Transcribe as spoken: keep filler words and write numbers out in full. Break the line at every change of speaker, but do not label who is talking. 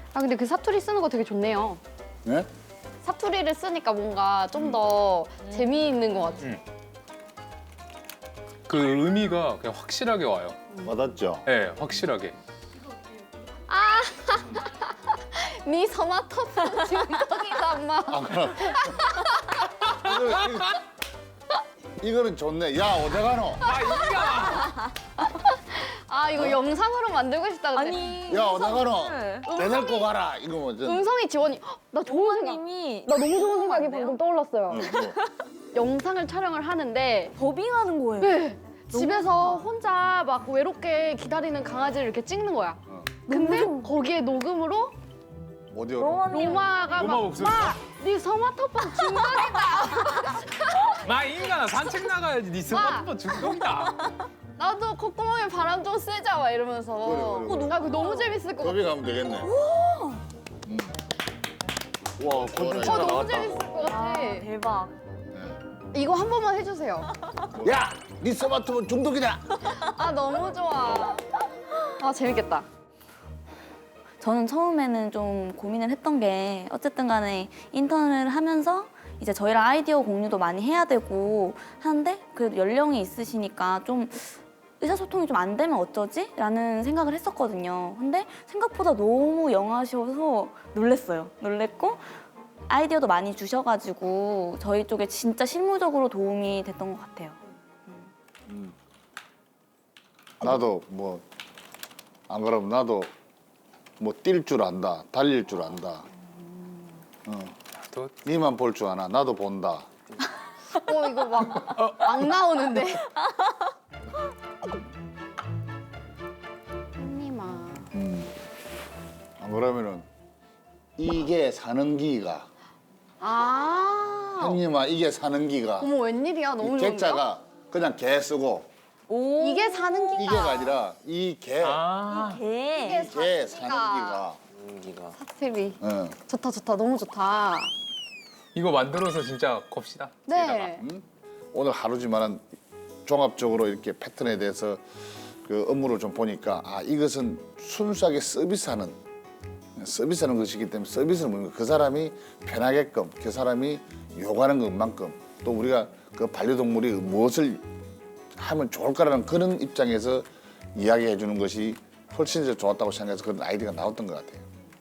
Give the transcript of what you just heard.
아 근데 그 사투리 쓰는 거 되게 좋네요.
네?
사투리를 쓰니까 뭔가 좀 더 재미있는 것 같아요.
음. 그 의미가 그냥 확실하게 와요.
맞았죠?
네, 확실하게.
네 서마토폰 중독이다 엄마.
아, 그럼. 이거, 이거, 이거는 좋네. 야, 어디 가노?
아, 이가!
아 이거 영상으로 만들고 싶다 근데.
아니
야, 어디 가노?
네.
배달 꼭 가라. 이거 뭐. 전...
음성이 지원이 헉, 나 좋은 생각.
부모님이
나 너무 좋은 생각이
안 돼요?
방금 떠올랐어요.
어, 뭐.
영상을 촬영을 하는데
더빙하는 거예요.
네. 집에서
좋다.
혼자 막 외롭게 기다리는 강아지를 이렇게 찍는 거야.
어.
근데
너무
거기에 녹음으로
어디로?
로마님
로마가
로마
막
목소리.
마! 네 서마토폰 중독이다.
마 인간아 산책 나가야지. 네 스마트폰 중독이다.
나도 콧구멍에 바람 좀 쐬자 막 이러면서.
그래, 그래, 그래.
나 그거 너무 재밌을 것 같아.
더빙 가면 되겠네. 음. 와,
어,
콘텐츠가
너무
나왔다.
재밌을 것 같아.
아, 대박.
네.
이거 한 번만 해주세요.
야, 네 스마트폰 중독이다.
아 너무 좋아. 아 재밌겠다.
저는 처음에는 좀 고민을 했던 게 어쨌든 간에 인턴을 하면서 이제 저희랑 아이디어 공유도 많이 해야 되고 하는데 그래도 연령이 있으시니까 좀 의사소통이 좀 안 되면 어쩌지? 라는 생각을 했었거든요. 근데 생각보다 너무 영하셔서 놀랬어요. 놀랬고 아이디어도 많이 주셔가지고 저희 쪽에 진짜 실무적으로 도움이 됐던 것 같아요.
나도 뭐 안 그러면 나도 뭐 뛸 줄 안다, 달릴 줄 안다. 어.
또
니만 볼 줄 아나, 나도 본다.
어 이거 막 막 나오는데. 언니마.
음. 안 그러면은 이게 사는 기가,
아.
형님아 이게 사는 기가.
어머 웬일이야 너무
이
좋은데.
객자가 그냥 개 쓰고
오.
이게 사는 기가.
이게가 아니라 이 개,
아.
개.
이게
개
사는
사는
기가.
기가.
사투리.
응.
좋다 좋다 너무 좋다.
이거 만들어서 진짜 겁시다.
네.
응? 오늘 하루지만은 종합적으로 이렇게 패턴에 대해서 그 업무를 좀 보니까 아 이것은 순수하게 서비스하는 서비스하는 것이기 때문에 서비스는 뭡니까? 그 사람이 편하게끔 그 사람이 요구하는 것만큼 또 우리가 그 반려동물이 무엇을 하면 좋을까라는 그런 입장에서 이야기해 주는 것이 훨씬 더 좋았다고 생각해서 그런 아이디어가 나왔던 것 같아요.